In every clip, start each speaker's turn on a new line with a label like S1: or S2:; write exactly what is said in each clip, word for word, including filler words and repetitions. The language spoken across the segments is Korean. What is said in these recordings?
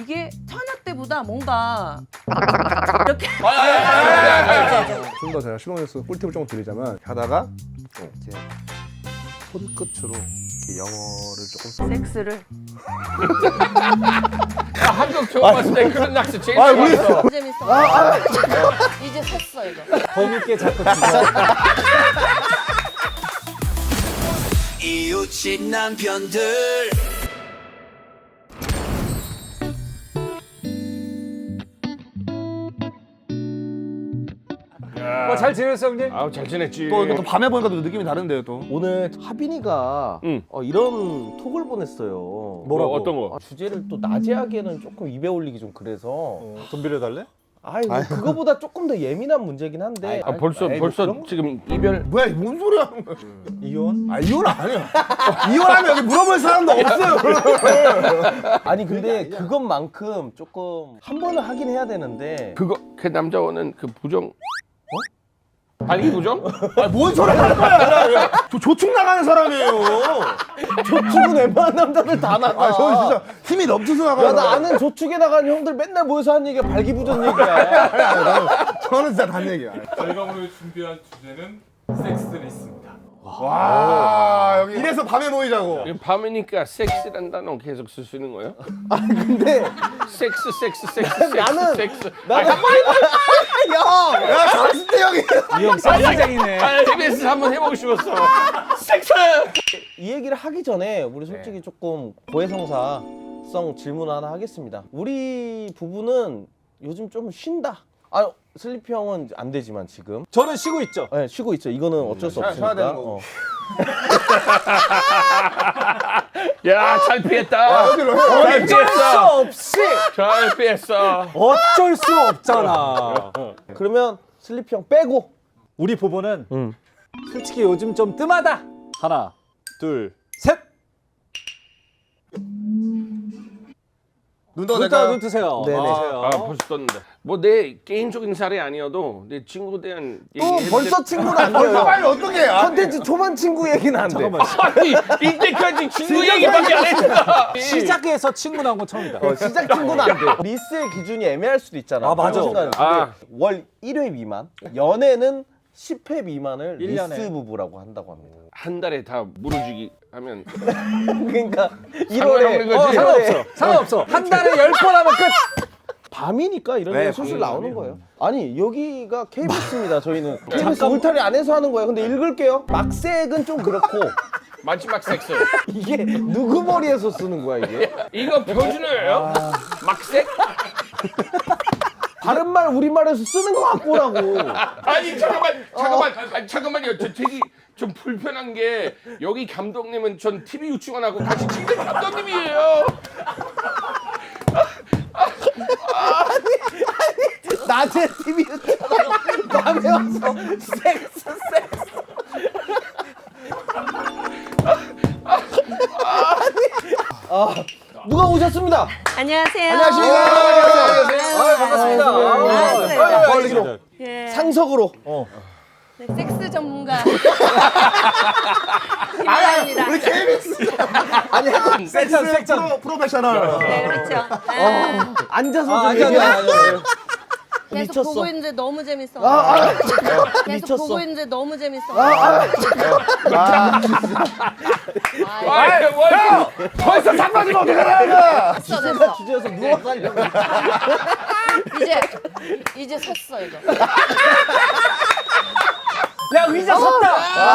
S1: 이게 처녀 때보다 뭔가 이렇게
S2: 좀 더 제가 실용에서 꿀팁을 조금 드리자면 하다가 이제 손끝으로 이렇게 영어를 조금 써.
S1: 섹스를
S3: 한국 처음 봤을 때 그런 낚시 제일
S2: 아, 우리-
S3: 좋았어.
S1: 재밌어. 이제 샜어 이거.
S4: 범있게 자꾸 죽어.
S5: 이웃집 남편들
S4: 뭐 잘 지냈어 형님?
S3: 아우 잘 지냈지.
S2: 또, 또 밤에 보니까 또 느낌이 다른데요 또.
S6: 오늘 하빈이가
S3: 응.
S6: 어, 이런 톡을 보냈어요.
S3: 뭐라고? 어떤 거?
S6: 아, 주제를 또 낮에 하기에는 조금 입에 올리기 좀 그래서.
S4: 돈 빌려달래?
S6: 아이 뭐 그거보다 조금 더 예민한 문제긴 한데.
S3: 아 벌써
S6: 아이, 뭐
S3: 벌써
S6: 그런 거-
S3: 지금 이별.
S2: 뭐야 뭔 소리 하는 거야?
S4: 이혼?
S2: 아 이혼 아니야. 이혼하면 여기 물어볼 사람도 없어요.
S6: 아니 근데 그것만큼 조금 한 번은 하긴 해야 되는데.
S3: 그거 그 남자는 그 부정. 어? 발기 부정?
S2: 아뭔 소리 하는 거야? 저 조축 나가는 사람이에요.
S6: 조축은 웬만한 남자들 다 나가.
S2: 아 저는 진짜 힘이 넘쳐서 나가는.
S6: 야, 나 아는 조축에 나가는 형들 맨날 모여서 하는 얘기가 발기부전 얘기야.
S2: 저는 진짜 단 얘기야.
S7: 저희가 오늘 준비한 주제는 섹스리스입니다.
S2: 와 여기 이래서 밤에 모이자고.
S3: 밤이니까 섹스란 단어 계속 쓸 수 있는 거예요?
S6: 근데
S3: 섹스 섹스 섹스 섹스
S6: 나는-
S3: 섹스.
S6: 나는 형!
S2: 야 잘했을 때 형이.
S4: 이 형 쌍장이네.
S3: 아, 티비에스 한번 해보고 싶었어. 섹스.
S6: 이 얘기를 하기 전에 우리 솔직히 조금 고해성사성 질문 하나 하겠습니다. 우리 부부는 요즘 좀 쉰다. 아 슬리피 형은 안 되지만 지금
S4: 저는 쉬고 있죠.
S6: 네, 쉬고 있죠. 이거는 어쩔 수
S2: 쉬어야
S6: 없으니까.
S2: 되는 거고.
S6: 어.
S3: 야, 잘 피했다.
S2: 어디로 해?
S3: 잘
S4: 어쩔 수
S3: 피했어.
S4: 없이
S3: 잘 피했어.
S4: 어쩔 수 없잖아.
S6: 그러면 슬리피 형 빼고.
S4: 우리 부부는
S6: 응.
S4: 솔직히 요즘 좀 뜸하다. 하나, 둘, 셋.
S2: 눈 떠
S4: 눈 떠,
S2: 내가.
S4: 눈 뜨세요.
S6: 네네.
S4: 아,
S3: 아, 벌써 떴는데. 뭐 내 개인적인 사례 아니어도 내 친구에 대한
S6: 또
S3: 얘기해도
S6: 벌써
S3: 돼?
S6: 친구는 안
S2: 벌써
S6: 돼요.
S2: 빨리 어떻게 해?
S6: 컨텐츠 초반 친구 얘기는 안 돼.
S4: 잠깐만.
S3: 아니 이때까지 친구 얘기밖에 안 했잖아.
S4: 시작해서 친구 나온 건 처음이다.
S6: 어, 시작 친구는 안 돼. 리스의 기준이 애매할 수도 있잖아.
S4: 아, 맞아.
S6: 그런 생각은
S3: 아.
S6: 근데 월 일 회 미만, 연애는 십 회 미만을
S4: 일 년에.
S6: 리스 부부라고 한다고 합니다.
S3: 한 달에 다 물어주기 하면
S6: 그러니까
S3: 상관없는
S6: 일월에
S3: 거지.
S4: 어, 상관없어. 상관없어. 한 달에 열 번 하면 끝.
S6: 밤이니까 이런
S2: 네,
S6: 게 술술
S2: 밤이면
S6: 나오는 거예요. 아니 여기가 케이비에스입니다. 저희는 케이비에스 울타리 안에서 하는 거예요. 근데 읽을게요. 막색은 좀 그렇고
S3: 마지막 섹스.
S6: 이게 누구 머리에서 쓰는 거야 이게?
S3: 이거 표준어예요? 막색?
S6: 다른 말 우리말에서 쓰는 거 같고라고.
S3: 아니 잠깐만 잠깐만 아니, 잠깐만요. 저 되게 좀 불편한 게 여기 감독님은 전 티비 유치원하고 같이 찍는 감독님이에요.
S6: 낮에 티비 밤에 와서 섹스 섹스. 아 누가 오셨습니다.
S1: 안녕하세요.
S2: 안녕하십니까.
S4: 아, 반갑습니다.
S1: 반갑습니다.
S4: 아,
S6: 멀리로
S1: 예.
S6: 상석으로.
S1: 네, 섹스 전문가 김아입니다.
S2: 우리 케이비에스.
S6: 아니
S4: 섹션, 섹션.
S2: 프로, 프로페셔널.
S1: 네, 그렇죠. 아,
S6: 앉아서
S4: 아,
S6: 좀
S4: 아니, 아니,
S6: 얘기해.
S4: 아니, 아니.
S1: 계속
S6: 미쳤어.
S1: 보고 있는데 너무 재밌어.
S6: 아, 아,
S1: 계속
S6: 미쳤어.
S1: 보고 있는데 너무 재밌어.
S6: 아,
S3: 아, 뭐
S2: 벌써 잠깐이면 어떡하냐?
S1: 됐어, 됐어.
S6: 주제에서 누워 살려고.
S1: 이제 이제 섰어 이거.
S4: 야, 의자 섰다.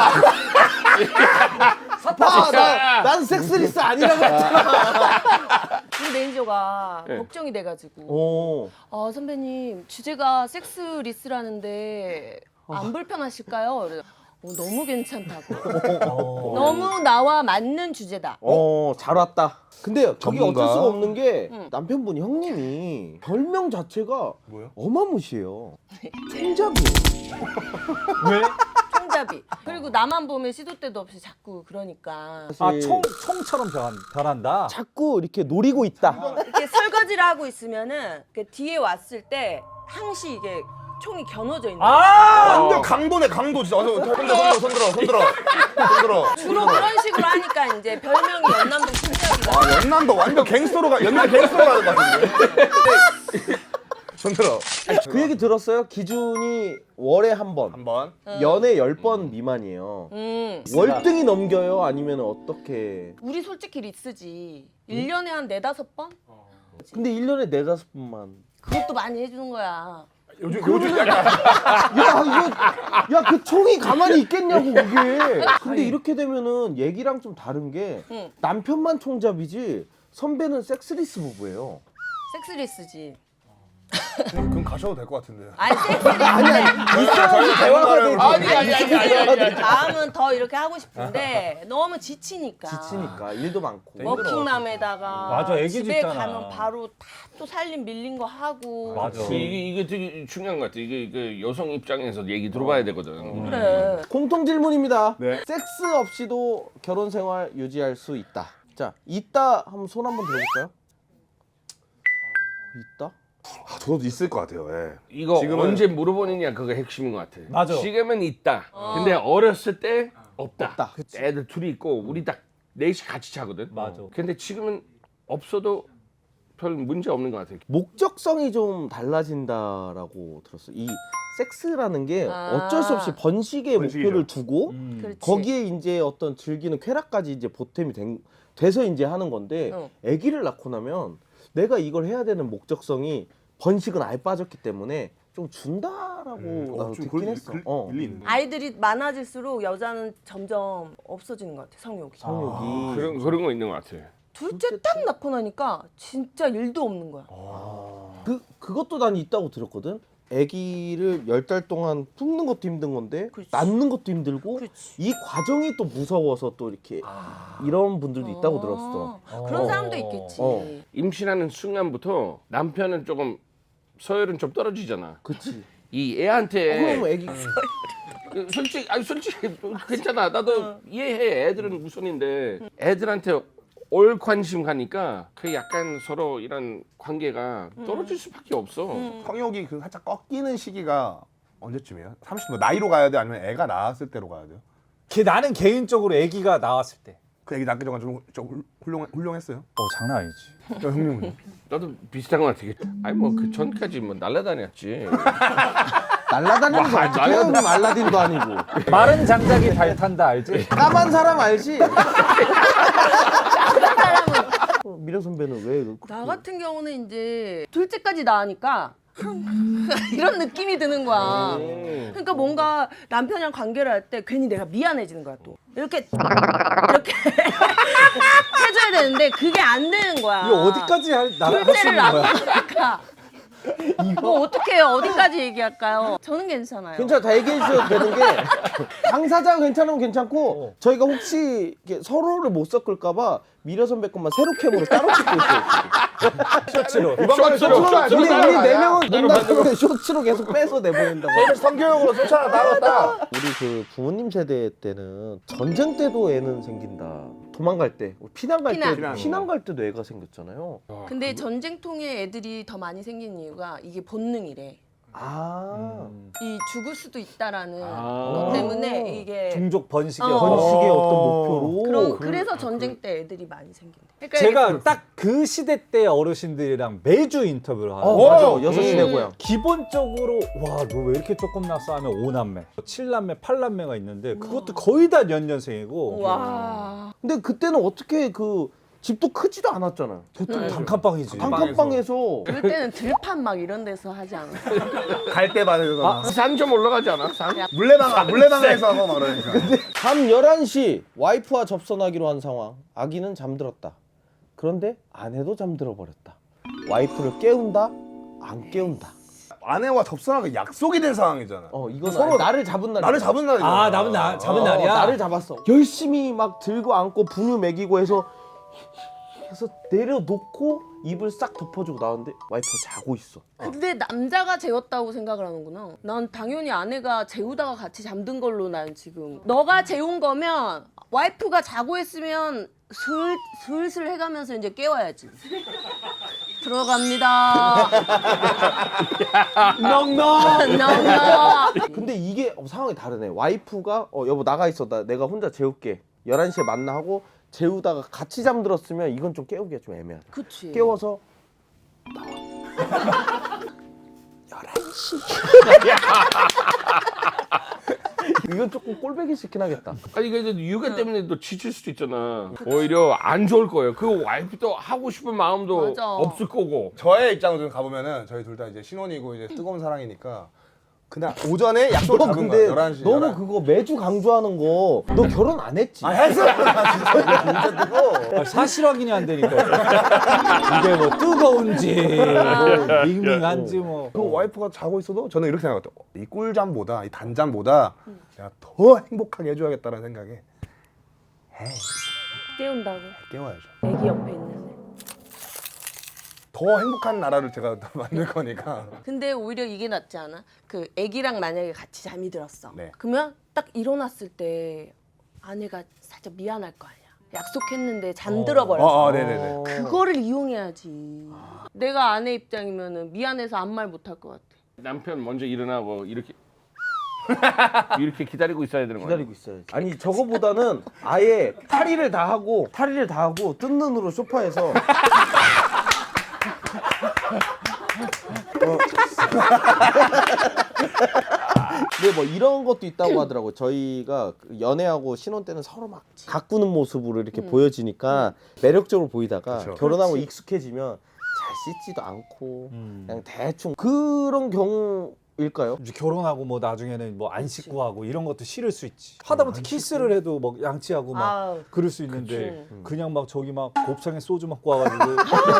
S6: 아, 나, 난 섹스리스 아니라고 했잖아.
S1: 우리 매니저가
S3: 네.
S1: 걱정이 돼가지고.
S6: 오.
S1: 아 선배님 주제가 섹스 리스라는데 안 불편하실까요? 그래서 어, 너무 괜찮다고. 너무 나와 맞는 주제다.
S6: 어, 잘 왔다. 근데 저기
S2: 전문가.
S6: 어쩔 수가 없는 게
S1: 응.
S6: 남편분 형님이 별명 자체가
S2: 뭐요?
S6: 어마무시해요. 총잡이.
S4: 왜?
S1: 총잡이. 그리고 나만 보면 시도 때도 없이 자꾸 그러니까
S4: 아, 총, 총처럼 변, 변한다.
S6: 자꾸 이렇게 노리고 있다.
S1: 이렇게 설거지를 하고 있으면은 이렇게 뒤에 왔을 때 항시 이게 총이 겨눠져 있는.
S4: 아!
S2: 완전 강도네 강도 진짜. 와서 손들어 손들어 손들어 손들어 손들어.
S1: 주로 그런 식으로 하니까 이제 별명이 연남동 총잡이가.
S2: 아 연남도 완전 갱스터로 가 연남 갱스터로 가는 것 같은데. 손들어.
S6: 그 얘기 들었어요? 기준이 월에 한 번,
S2: 한번.
S6: 연에 열 번 미만이에요.
S1: 음.
S6: 월등히 넘겨요? 아니면 어떻게?
S1: 우리 솔직히 리스지. 일 년에 한 네다섯 번?
S6: 근데 일 년에 네다섯 번만.
S1: 그것도 많이 해주는 거야.
S2: 요즘 요즘 약간
S6: 야 이거 야 그 총이 가만히 있겠냐고 그게. 근데 이렇게 되면은 얘기랑 좀 다른 게
S1: 응.
S6: 남편만 총잡이지 선배는 섹스리스 부부예요.
S1: 섹스리스지.
S2: 그럼 가셔도 될 것 같은데.
S1: 아니 섹스리스.
S6: 있어야지 대화가 되지.
S3: 아니 아니 아니 아니 아니.
S1: 마음은 더 이렇게 하고 싶은데 너무 지치니까.
S6: 지치니까 일도 많고.
S1: 워킹맘에다가
S4: 맞아, 애기도
S1: 집에
S4: 있잖아.
S1: 가면 바로 다 또 살림 밀린 거 하고.
S4: 맞아.
S3: 이게 이게 되게 중요한 것 같아. 이게, 이게 여성 입장에서 얘기 들어봐야 되거든.
S1: 그래.
S6: 공통 질문입니다.
S2: 네.
S6: 섹스 없이도 결혼 생활 유지할 수 있다. 자, 있다 하면 손 한번 들어볼까요? 있다?
S2: 아, 저도 있을 것 같아요. 예.
S3: 이거
S2: 지금은-
S3: 언제 물어보느냐 그거 핵심인 것 같아.
S4: 맞아.
S3: 지금은 있다. 근데 어렸을 때 없다.
S6: 없다.
S3: 애들 둘이 있고 우리 딱 넷이 같이 자거든.
S4: 맞아.
S3: 근데 지금은 없어도 별 문제 없는 것 같아.
S6: 목적성이 좀 달라진다라고 들었어요. 이 섹스라는 게
S1: 아.
S6: 어쩔 수 없이 번식의
S2: 번식이죠.
S6: 목표를 두고
S4: 음.
S1: 그렇지.
S6: 거기에 이제 어떤 즐기는 쾌락까지 이제 보탬이 된, 돼서 이제 하는 건데
S1: 어.
S6: 아기를 낳고 나면 내가 이걸 해야 되는 목적성이 번식은 아예 빠졌기 때문에 좀 준다라고
S2: 음.
S6: 나도
S2: 어, 좀
S6: 듣긴
S2: 그-
S6: 했어.
S2: 그-
S6: 어.
S2: 일리 있네.
S1: 아이들이 많아질수록 여자는 점점 없어지는 것 같아 성욕이.
S6: 성욕이.
S3: 그런 그런 거 있는 것 같아.
S1: 둘째 딱 낳고 나니까 진짜 일도 없는 거야.
S6: 그 그것도 난 있다고 들었거든. 아기를 열 달 동안 품는 것도 힘든 건데
S1: 그렇지.
S6: 낳는 것도 힘들고
S1: 그렇지.
S6: 이 과정이 또 무서워서 또 이렇게 이런 분들도 있다고 들었어.
S1: 아, 그런 사람도 있겠지.
S6: 어.
S3: 임신하는 순간부터 남편은 조금 서열은 좀 떨어지잖아.
S6: 그치.
S3: 이
S6: 그럼
S3: 애한테
S6: 아기
S3: 그 솔직히 아니 솔직히 괜찮아. 나도 이해해. 애들은 우선인데 애들한테 올 관심 가니까 그 약간 서로 이런 관계가 떨어질 수밖에 없어.
S2: 성욕이 그 살짝 꺾이는 시기가 언제쯤이에요? 삼십 뭐 나이로 가야 돼 아니면 애가 낳았을 때로 가야 돼요?
S4: 걔 나는 개인적으로 아기가 나왔을 때.
S2: 그 애기 낳기 전에 좀, 좀 훌륭 훌륭했어요.
S4: 어 장난 아니지.
S2: 야, 형님은
S3: 나도 비슷한 것 같아. 아니 뭐 그 전까지 뭐 날라다녔지.
S6: 날라다니는 거 어떻게 해요? 그럼 알라딘도 아니고.
S4: 마른 장작이 달 탄다 알지?
S6: 까만 사람 알지? 어, 미려 선배는 왜? 그-
S1: 나 같은 경우는 이제 둘째까지 낳으니까 이런 느낌이 드는 거야. 그러니까 뭔가 남편이랑 관계를 할 때 괜히 내가 미안해지는 거야 또. 이렇게 이렇게 해줘야 되는데 그게 안 되는 거야.
S4: 이거 어디까지 할, 나, 할수
S1: 둘째를
S4: 있는 거야?
S1: 낳으니까 뭐 어떻게 해요? 어디까지 얘기할까요? 저는 괜찮아요.
S6: 괜찮아, 다 얘기해 주셔도 되는 게 당사자가 괜찮으면 괜찮고 저희가 혹시 이렇게 서로를 못 섞을까봐 미려 선배 것만 세로 캠으로 따로 찍고 있어요.
S4: 셔츠로.
S3: 쇼츠로
S6: 우리 우리
S3: 쇼츠로
S6: 네 명은 농담으로 쇼츠로 계속 빼서 내보낸다고.
S2: 저희는 성교육으로 쫓아나 나갔다.
S6: 우리 그 부모님 세대 때는 전쟁 때도 애는 생긴다. 도망갈 때, 피난 갈 때,
S1: 피난.
S6: 피난 갈 때도 애가 생겼잖아요.
S1: 근데 전쟁통에 애들이 더 많이 생긴 이유가 이게 본능이래.
S6: 아,
S1: 이 죽을 수도 있다라는
S3: 아.
S1: 것 때문에 이게
S4: 종족 번식의
S1: 어.
S4: 어떤
S6: 번식의 어떤 목표로.
S1: 그런 그래서 전쟁 때 애들이 많이 생긴대. 그러니까
S4: 제가 딱 그 시대 때 어르신들이랑 매주 인터뷰를
S6: 어,
S4: 하는데
S6: 맞아. 여섯 시내
S1: 음.
S6: 고향.
S4: 기본적으로 와 너 왜 이렇게 조금 났어 하면 오남매, 칠남매, 팔남매가 있는데 그것도 거의 다 연년생이고
S1: 와.
S6: 근데 그때는 어떻게 그 집도 크지도 않았잖아요.
S4: 보통 단칸방이지.
S6: 단칸방에서
S1: 그럴 때는 들판 막 이런 데서 하지 않아.
S2: 갈대밭에서
S3: 산 좀 올라가지 않아? 산?
S2: 물레방 물레방에서 하고 막 그러니까.
S6: 밤 열한 시 와이프와 접선하기로 한 상황. 아기는 잠들었다. 그런데 아내도 잠들어 버렸다. 와이프를 깨운다? 안 깨운다.
S2: 아내와 접선하기 약속이 된 상황이잖아.
S6: 어, 이건
S2: 서로
S6: 서로 나를 잡은 날.
S2: 나를 잡은 날이잖아.
S4: 아 잡은 날 잡은
S6: 어,
S4: 날이야.
S6: 나를 잡았어. 열심히 막 들고 안고 분유 먹이고 해서 해서 내려놓고 입을 싹 덮어주고 나왔는데 와이프가 자고 있어.
S1: 근데 남자가 재웠다고 생각을 하는구나. 난 당연히 아내가 재우다가 같이 잠든 걸로 난 지금. 너가 재운 거면 와이프가 자고 있으면 슬, 슬슬 해가면서 이제 깨워야지. 들어갑니다.
S6: 넉넉.
S1: 넉넉.
S6: 근데 이게 어, 상황이 다르네. 와이프가 어 여보 나가 있어. 나 내가 혼자 재울게. 열한 시에 만나 하고 재우다가 같이 잠들었으면 이건 좀 깨우기가 좀 애매하다.
S1: 그치.
S6: 깨워서 이건 조금 꼴배기 싫긴 하겠다.
S3: 아니 이게 육아 때문에 또 지칠 수도 있잖아. 오히려 안 좋을 거예요. 그 와이프도 하고 싶은 마음도
S1: 맞아.
S3: 없을 거고.
S2: 저의 입장으로 좀 가보면은 저희 둘 다 이제 신혼이고 이제 뜨거운 사랑이니까 그날 오전에 약속을
S6: 너
S2: 잡은
S6: 근데
S2: 거야. 열한 시.
S6: 너무 그거 매주 강조하는 거 너 결혼 안 했지?
S2: 아 했어. 진짜 뜨거.
S4: 아, 사실 확인이 안 되니까 이게 뭐 뜨거운지 뭐 밍밍한지 뭐
S2: 그 와이프가 자고 있어도 저는 이렇게 생각했다. 이 꿀잠보다 이 단잠보다 내가 더 행복하게 해줘야겠다는 생각에
S1: 깨운다고.
S2: 깨워야죠.
S1: 애기 옆에 있는데.
S2: 더 행복한 나라를 제가 만들 거니까.
S1: 근데 오히려 이게 낫지 않아? 그 애기랑 만약에 같이 잠이 들었어.
S2: 네.
S1: 그러면 딱 일어났을 때 아내가 살짝 미안할 거 아니야. 약속했는데 잠들어 버렸어.
S2: 어, 어, 네네네.
S1: 그거를 이용해야지. 내가 아내 입장이면은 미안해서 아무 말 못 할 것 같아.
S3: 남편 먼저 일어나고 이렇게 이렇게 기다리고 있어야 되는 거야.
S6: 기다리고 있어야지. 아니 저거보다는 아예 탈의를 다 하고 탈의를 다 하고 뜬 눈으로 소파에서 어. 근데 뭐 이런 것도 있다고 하더라고. 저희가 연애하고 신혼 때는 서로 막 가꾸는 모습으로 이렇게
S1: 음.
S6: 보여지니까 매력적으로 보이다가
S2: 그쵸.
S6: 결혼하고
S1: 그렇지.
S6: 익숙해지면 잘 씻지도 않고
S4: 음.
S6: 그냥 대충 그런 경우일까요?
S4: 이제 결혼하고 뭐 나중에는 뭐 안 씻고 하고 이런 것도 싫을 수 있지. 하다못해 키스를 해도 막 양치하고 막
S1: 아우.
S4: 그럴 수 있는데
S1: 그치.
S4: 그냥 막 저기 막 곱창에 소주 먹고 와가지고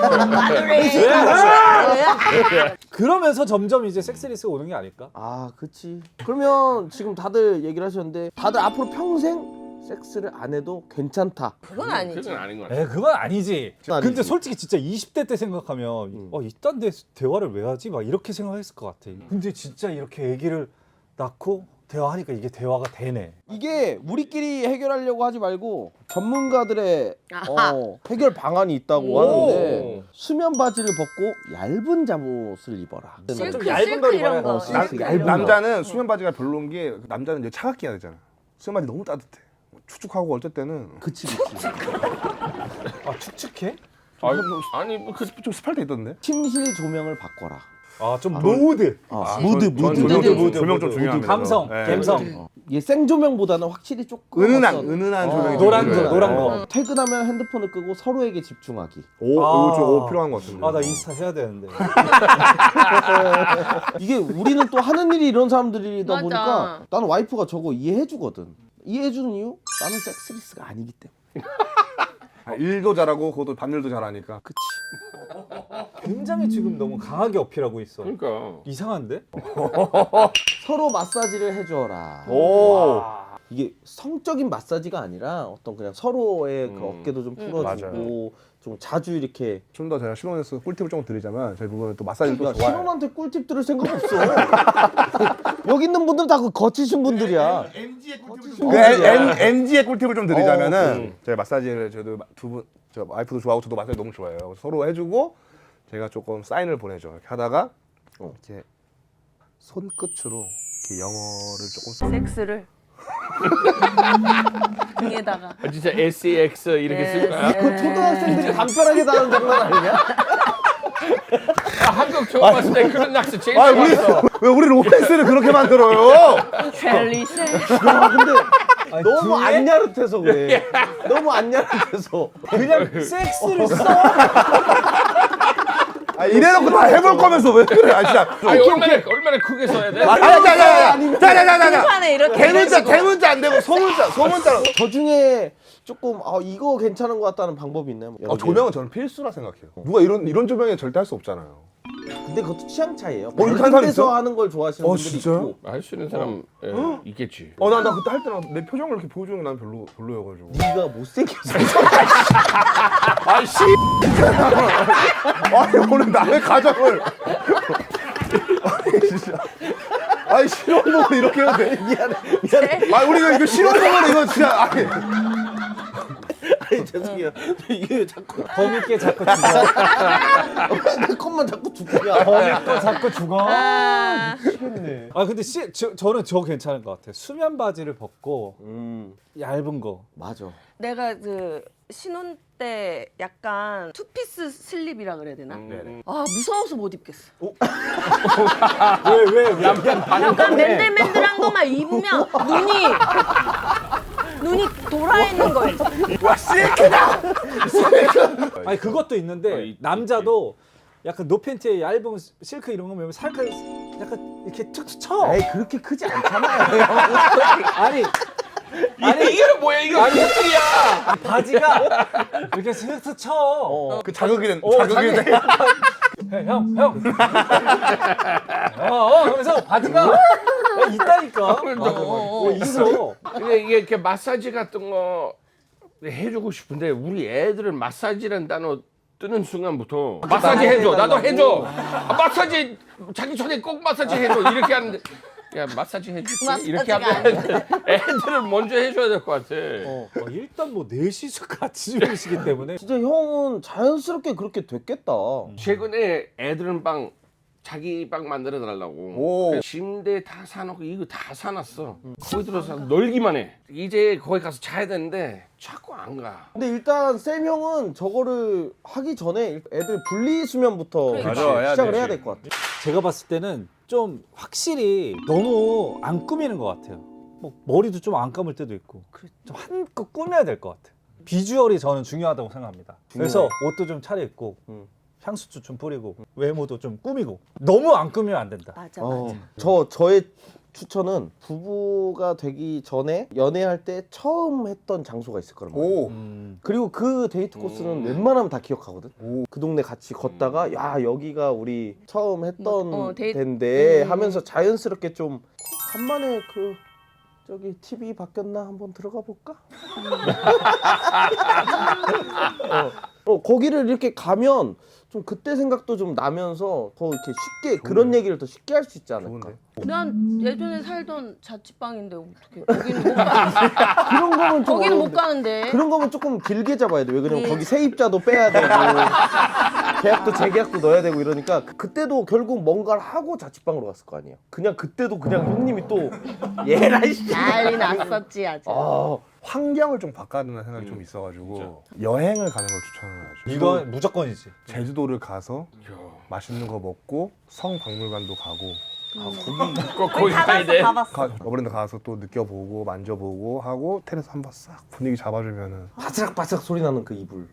S4: 그러면서 점점 이제 섹스리스가 오는 게 아닐까?
S6: 아, 그치. 그러면 지금 다들 얘기를 하셨는데 다들 앞으로 평생 섹스를 안 해도 괜찮다.
S1: 그건 아니지.
S3: 그건 아닌 거 같아.
S4: 에 그건 아니지.
S6: 그건 아니지.
S4: 근데 솔직히 진짜 이십 대 때 생각하면
S6: 음.
S4: 어 이딴 데 대화를 왜 하지? 막 이렇게 생각했을 것 같아. 근데 진짜 이렇게 아기를 낳고 대화하니까 이게 대화가 되네.
S6: 이게 우리끼리 해결하려고 하지 말고 전문가들의
S1: 아하.
S6: 어, 해결 방안이 있다고
S1: 오.
S6: 하는데 수면 바지를 벗고 얇은 잠옷을 입어라.
S1: 실크,
S4: 좀 얇은
S1: 실크
S4: 걸
S1: 이런
S4: 입어야
S1: 거.
S4: 돼.
S6: 나-
S1: 실크
S6: 얇은
S1: 이런
S6: 거.
S1: 거.
S2: 남자는 수면 바지가 별로인 게 남자는 이제 차갑게 해야 되잖아. 수면 바지 너무 따뜻해. 축축하고 어쩔 때는
S6: 그치 그치.
S4: 아 축축해?
S3: 아니, 아니 뭐 그,
S2: 좀 습할 때 있던데.
S6: 침실 조명을 바꿔라.
S4: 아 좀 모드.
S6: 아,
S2: 아,
S6: 무드
S2: 전- 전
S6: 무드
S2: 조명 좀-
S4: 무드,
S2: 조명 좀
S4: 무드,
S2: 중요합니다.
S4: 감성,
S2: 네.
S4: 감성.
S6: 어. 이게 생조명보다는 확실히 조금
S2: 은은한
S6: 어떤-
S2: 은은한
S6: 어,
S2: 조명이
S4: 노란
S2: 좀
S4: 거, 노란
S2: 필요해요.
S4: 거.
S2: 어.
S6: 퇴근하면 핸드폰을 끄고 서로에게 집중하기.
S2: 오, 이거 좀
S4: 아.
S2: 오, 필요한 것 같은데.
S4: 아 나 인스타 해야 되는데.
S6: 이게 우리는 또 하는 일이 이런 사람들이다
S1: 맞아.
S6: 보니까 나는 와이프가 저거 이해해주거든. 이해해주는 이유? 나는 섹스리스가 아니기 때문에.
S2: 아, 일도 잘하고 그것도 밤일도 잘하니까.
S6: 그치.
S4: 굉장히 지금 너무 강하게 어필하고 있어.
S3: 그러니까
S4: 이상한데?
S6: 서로 마사지를 해줘라.
S2: 오.
S6: 이게 성적인 마사지가 아니라 어떤 그냥 서로의 그
S3: 음.
S6: 어깨도 좀
S1: 음.
S6: 풀어주고 좀 자주 이렇게.
S2: 좀 더 제가 신혼에서 꿀팁을 좀 드리자면 저희 부부는 또 마사지를 또
S6: 야,
S2: 좋아해요.
S6: 신혼한테 꿀팁 들을 생각 없어. 여기 있는 분들은 다 그 거치신 분들이야. 거치신
S2: 그
S6: 분들이야.
S2: 엠지의 꿀팁을 좀 드리자면은
S3: 어, 음.
S2: 제가 마사지를 저도 두 분, 저 와이프도 좋아하고 저도 마사지 너무 좋아해요. 그래서 서로 해주고 제가 조금 사인을 보내줘. 이렇게 하다가
S6: 어.
S2: 이렇게 손끝으로 이렇게 영어를 조금 써.
S1: 섹스를 등에다가.
S3: 아, 진짜 에스엑스 이렇게
S1: 네.
S3: 쓸 거야.
S6: 그 초등학생들이 간편하게 다는 장난 아니냐?
S3: 아, 한국 처음 왔을 때 그런 낚시 제일
S2: 아 우리
S3: 좋았어.
S2: 왜 우리 로맨스를 그렇게 만들어요?
S1: 젤리쉐.
S6: 야, 근데
S4: 아니,
S6: 너무
S4: 등에
S6: 안 야릇해서 그래. 너무 안 야릇해서.
S4: 그냥 섹스를 써.
S2: 아, 이래놓고 다 해볼 거면서 왜 그래? 아 진짜.
S3: 아니 얼마나 얼마나 크게 써야 돼?
S2: 아니 아니 자자자자자자자.
S1: 등판에 이렇게
S2: 대문자
S1: 해가지고.
S2: 대문자 안 되고 소문자 소문자로.
S6: 저 중에 조금 아 이거 괜찮은 것 같다는 방법이 있나요?
S2: 아, 조명은 저는 필수라 생각해요. 누가 이런 이런 조명에 절대 할 수 없잖아요.
S6: 근데 그것도 취향 차이예요.
S2: 뭐 이렇게
S6: 밝은
S2: 하는 사람
S6: 데서
S2: 있어?
S6: 하는 걸 좋아하시는
S2: 어,
S6: 분들이
S2: 진짜요?
S6: 있고.
S3: 할 수 있는 사람 예, 있겠지.
S2: 어 나 나 그때 할 때는 내 표정을 이렇게 보여주는 게 난 별로 별로여가지고.
S6: 네가 못생겨서.
S2: 아씨. 아니 오늘 남의 가정을. 아니 진짜. 아니 실험복을 이렇게 해도 돼?
S6: 미안해 미안해.
S2: 아 우리 이거, 이거 실험복을 이거 진짜 아니.
S6: 아니 죄송해요. 이게 왜 자꾸
S4: 범있게 자꾸 죽어.
S6: 내 것만 자꾸 죽냐?
S4: 범있고 자꾸 죽어.
S1: 아,
S6: 미치겠네.
S4: 아 근데 시, 저, 저는 저 괜찮은 것 같아요. 수면 바지를 벗고
S6: 음
S4: 얇은 거.
S6: 맞아.
S1: 내가 그 신혼 때 약간 투피스 슬립이라 그래야 되나?
S3: 음.
S1: 아 무서워서 못 입겠어.
S4: 왜 왜 왜?
S1: 약간 맨들맨들한 것만 입으면 눈이 눈이 돌아 있는 거 있지.
S4: 아니 그것도
S3: 어,
S4: 있는데
S3: 이-
S4: 남자도 약간 노팬티에 얇은 실크 이런 거 보면 살짝 약간 이렇게 툭툭 쳐.
S6: 에이 그렇게 크지 않잖아요.
S4: 아니
S3: 아니 이게 뭐야 이거 아니야.
S4: 아, 바지가 이렇게 슥슥 쳐.
S6: 어.
S2: 그 자극이 된
S4: 어,
S2: 자극이 된.
S4: 형, 형. 어, 어, 그래서 바지가 야, 있다니까.
S3: 맞아,
S4: 맞아, 어, 있어.
S3: 근데 이게 이렇게 마사지 같은 거 해주고 싶은데 우리 애들은 마사지라는 단어 뜨는 순간부터 마사지 해줘 나도 해줘 아, 마사지 자기 전에 꼭 마사지 해줘 이렇게 하는데 야 마사지 해줄게 이렇게 하면 애들은 먼저 해줘야 될 것 같아.
S6: 어.
S4: 어, 일단 뭐 넷이서 같이 주무시기 때문에
S6: 진짜 형은 자연스럽게 그렇게 됐겠다.
S3: 최근에 애들은 방 자기 방 만들어 달라고
S2: 오.
S3: 침대 다 사놓고 이거 다 사놨어. 거기 들어서 놀기만 해. 이제 거기 가서 자야 되는데 자꾸 안 가.
S6: 근데 일단 쌤 형은 저거를 하기 전에 애들 분리 수면부터
S1: 그러니까.
S2: 맞아, 해야
S6: 시작을
S2: 되지.
S6: 해야 될 것 같아.
S4: 제가 봤을 때는 좀 확실히 너무 안 꾸미는 것 같아요. 뭐 머리도 좀 안 감을 때도 있고 좀 한껏 꾸며야 될 것 같아요. 비주얼이 저는 중요하다고 생각합니다. 그래서 옷도 좀 차려입고
S6: 음.
S4: 향수도 좀 뿌리고 외모도 좀 꾸미고 너무 안 꾸미면 안 된다.
S1: 맞아
S6: 어,
S1: 맞아.
S6: 저 저의 추천은 부부가 되기 전에 연애할 때 처음 했던 장소가 있을 거란 말이야.
S2: 오.
S4: 음.
S6: 그리고 그 데이트 코스는
S3: 음.
S6: 웬만하면 다 기억하거든.
S2: 오.
S6: 그 동네 같이 걷다가 야 여기가 우리 처음 했던
S1: 뭐, 어, 데이-
S6: 데인데
S1: 음.
S6: 하면서 자연스럽게 좀 간만에 그 저기 티비 바뀌었나 한번 들어가 볼까? 어, 어, 거기를 이렇게 가면 좀 그때 생각도 좀 나면서 더 이렇게 쉽게 그런 얘기를 더 쉽게 할 수 있지 않을까?
S2: 좋은데.
S1: 난 예전에 살던 자취방인데 어떻게 거기는 못 가.
S6: 그런 거면 좀
S1: 거기는 못
S6: 어려운데.
S1: 가는데.
S6: 그런 거면 조금 길게 잡아야 돼. 왜 그러냐면
S1: 네.
S6: 거기 세입자도 빼야 되고 계약도 재계약도 넣어야 되고 이러니까 그- 그때도 결국 뭔가를 하고 자취방으로 갔을 거 아니야. 그냥 그때도 그냥 형님이 또 얘라 이씨.
S1: 난리 났었지 아주.
S6: 아,
S2: 환경을 좀 바꿔야 된다는 생각이 좀 있어가지고 여행을 가는 걸 추천을 하죠.
S4: 이건 무조건이지.
S2: 제주도를 가서 맛있는 거 먹고 성박물관도 가고
S3: 꼭 거기 가야 돼.
S2: 가, 어버랜드 가서 또 느껴보고 만져보고 하고 테라스 한번 싹 분위기 잡아주면은
S6: 바스락바스락 소리 나는 그 이불.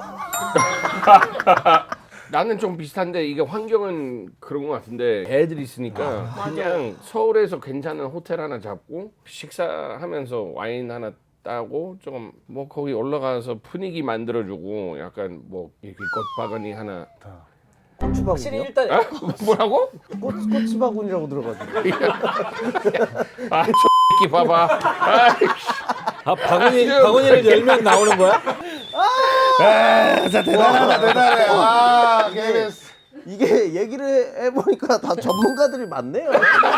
S3: 나는 좀 비슷한데 이게 환경은 그런 것 같은데 애들이 있으니까 그냥 서울에서 괜찮은 호텔 하나 잡고 식사하면서 와인 하나 따고 조금 뭐 거기 올라가서 분위기 만들어주고 약간 뭐 이렇게 꽃바구니 하나
S2: 다
S6: 고추바구니요?
S4: 일단
S3: 아? 뭐라고?
S6: 꽃, 고추바구니라고 들어가지고.
S3: 아 X끼 봐봐. 아이씨.
S4: 아, 바구니 바구니를 열면 나오는 거야?
S2: 진짜 대단하다 대단해. 아 케이비에스.
S6: 이게 얘기를 해보니까 다 전문가들이 많네요.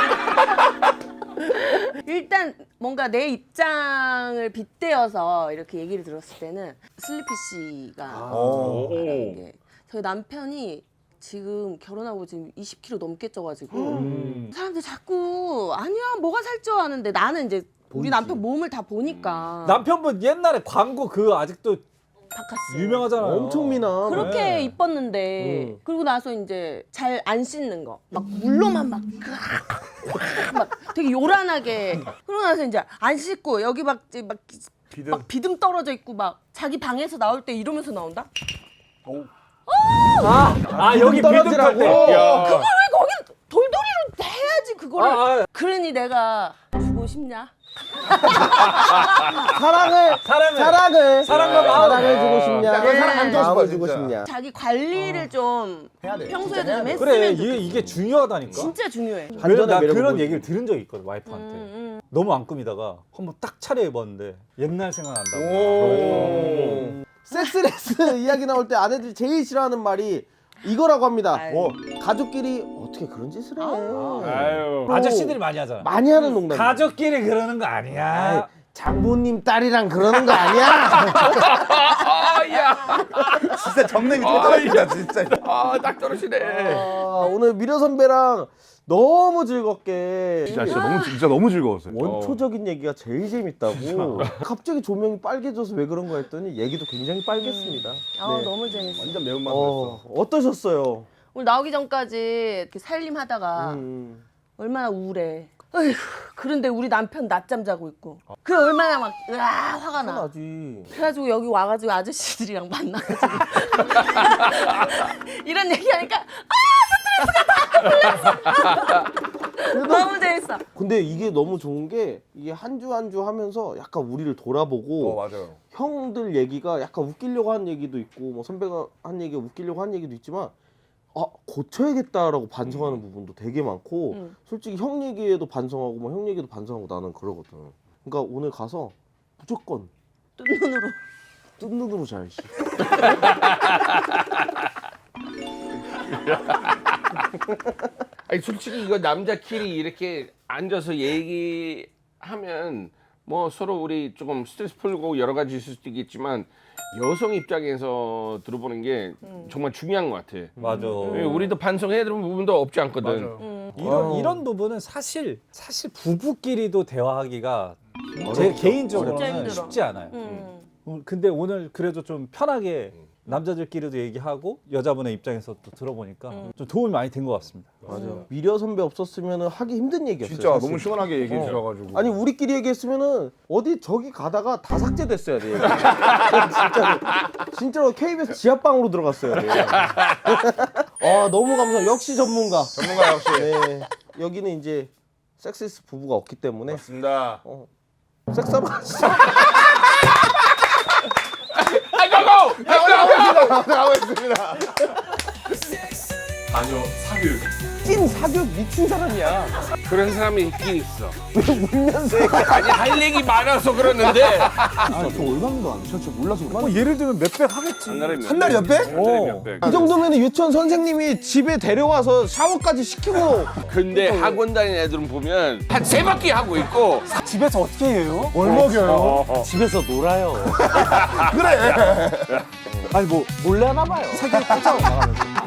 S1: 일단 뭔가 내 입장을 빗대어서 이렇게 얘기를 들었을 때는 슬리피 씨가
S2: 오.
S1: 말하는 게 저희 남편이 지금 결혼하고 지금 이십 킬로그램 넘게 쪄가지고
S4: 음.
S1: 사람들 자꾸 아니야 뭐가 살쪄 하는데 나는 이제 우리 남편 몸을 다 보니까
S4: 남편분 옛날에 광고 그 아직도
S1: 바카스
S4: 유명하잖아요.
S6: 엄청 미남.
S1: 그렇게
S4: 네.
S1: 이뻤는데
S6: 음.
S1: 그리고 나서 이제 잘 안 씻는 거 막 물로만 막, 으악, 막 되게 요란하게 그러고 나서 이제 안 씻고 여기 막, 이제 막,
S2: 비듬.
S1: 막 비듬 떨어져 있고 막 자기 방에서 나올 때 이러면서 나온다?
S2: 오.
S4: 아, 아 여기 비듬 탈
S6: 떨어지라고?
S4: 때.
S3: 야.
S1: 그걸 왜 거기 돌돌이로 해야지 그거를
S4: 아, 아.
S1: 그러니 내가 주고 싶냐?
S6: 사랑을
S4: 사랑을.
S6: 사랑을
S4: 사랑과 마음.
S6: 사랑을 주고 싶냐?
S2: 약간 사랑 안 주고
S6: 마음을
S2: 싶어,
S6: 주고
S2: 진짜.
S6: 싶냐?
S1: 자기 관리를 좀
S2: 해야 돼.
S1: 평소에도 좀 했으면
S4: 그래
S1: 좋겠어.
S4: 이게 이게 중요하다니까.
S1: 진짜 중요해.
S4: 왜냐면
S6: 반전의
S4: 나
S6: 매력을
S4: 그런
S6: 보여주고.
S4: 얘기를 들은 적이 있거든 와이프한테.
S1: 음,
S4: 너무 안 꾸미다가 한번 딱 차려입었는데 옛날 생각난다고.
S2: 오.
S6: 섹스레스 이야기 나올 때 아내들이 제일 싫어하는 말이 이거라고 합니다.
S1: 아유.
S6: 어, 가족끼리 어떻게 그런 짓을 해?
S3: 아유.
S4: 아저씨들이 많이 하잖아.
S6: 많이 하는 농담.
S4: 가족끼리 그러는 거 아니야.
S6: 장모님 딸이랑 그러는 거 아니야?
S3: 아야,
S2: 진짜 정nem이 떨어진다 진짜.
S3: 아딱 떨어지네.
S6: 아, 오늘 미려 선배랑 너무 즐겁게
S2: 진짜 진짜 너무 진짜 너무 즐거웠어요.
S6: 원초적인 얘기가 제일 재밌다고. 갑자기 조명이 빨개져서 왜 그런 거 했더니 얘기도 굉장히 빨갰습니다.
S1: 아
S6: 네.
S1: 너무 재밌어.
S2: 완전 매운맛
S6: 어,
S2: 나왔어.
S6: 어떠셨어요?
S1: 오늘 나오기 전까지 이렇게 살림하다가
S6: 음.
S1: 얼마나 우울해. 어휴, 그런데 우리 남편 낮잠 자고 있고 그 얼마나 막 으아 화가 나.
S6: 나지.
S1: 그래가지고 여기 와가지고 아저씨들이랑 만나가지고 이런 얘기하니까 아 스트레스가 다 풀렸어. 너무 재밌어.
S6: 근데 이게 너무 좋은 게 이게 한 주 한 주 하면서 약간 우리를 돌아보고
S2: 어 맞아요.
S6: 형들 얘기가 약간 웃기려고 한 얘기도 있고 뭐 선배가 한 얘기가 웃기려고 한 얘기도 있지만 아 고쳐야겠다라고 반성하는 부분도 되게 많고
S1: 음.
S6: 솔직히 형 얘기에도 반성하고 뭐 형 얘기도 반성하고 나는 그러거든. 그러니까 오늘 가서 무조건
S1: 뜬 눈으로.
S6: 뜬 눈으로 자야지.
S3: 아니 솔직히 이거 남자끼리 이렇게 앉아서 얘기하면 뭐 서로 우리 조금 스트레스 풀고 여러 가지 있을 수도 있겠지만 여성 입장에서 들어보는 게 정말 중요한 것 같아.
S4: 맞아.
S3: 왜 우리도 반성해야 되는 부분도 없지 않거든.
S2: 맞아요.
S4: 이런
S6: 어.
S4: 이런 부분은 사실 사실 부부끼리도 대화하기가 제 개인적으로는
S1: 진짜 힘들어.
S4: 쉽지 않아요.
S1: 음.
S4: 음, 근데 오늘 그래도 좀 편하게 남자들끼리도 얘기하고 여자분의 입장에서 또 들어보니까 좀 도움이 많이 된 것 같습니다.
S6: 맞아. 미려 선배 없었으면 하기 힘든 얘기였어요.
S2: 진짜
S6: 사실.
S2: 너무 시원하게 얘기해
S6: 어.
S2: 주셔가지고.
S6: 아니 우리끼리 얘기했으면은 어디 저기 가다가 다 삭제됐어야 돼. 진짜로 진짜로 케이비에스 지하방으로 들어갔어야 돼. 아 너무 감사. 역시 전문가.
S2: 전문가 역시.
S6: 네. 여기는 이제 섹시스 부부가 없기 때문에
S2: 맞습니다.
S6: 어. 섹스하러 가시죠.
S3: 아이고,
S2: 나가고 있습니다.
S7: 자녀 사교육.
S6: 찐 사교육 미친 사람이야.
S3: 그런 사람이 있긴 있어.
S6: 울면서
S3: 아니 할 얘기 많아서 그러는데
S2: 아, 저 얼마인도 안 돼. 저 진짜 몰라서 그래.
S4: 뭐 예를 들면 몇백 하겠지.
S3: 한 달에 몇
S2: 한 달에 몇 배?
S4: 어.
S6: 이 정도면 유치원 선생님이 집에 데려와서 샤워까지 시키고
S3: 근데 학원 다니는 애들은 보면 한 세 바퀴 하고 있고
S4: 집에서 어떻게 해요?
S2: 뭘 먹여요?
S6: 집에서 놀아요.
S2: 그래.
S4: 아니 뭐
S6: 몰래 하나 봐요.
S4: 사교육 하자고 나가면서.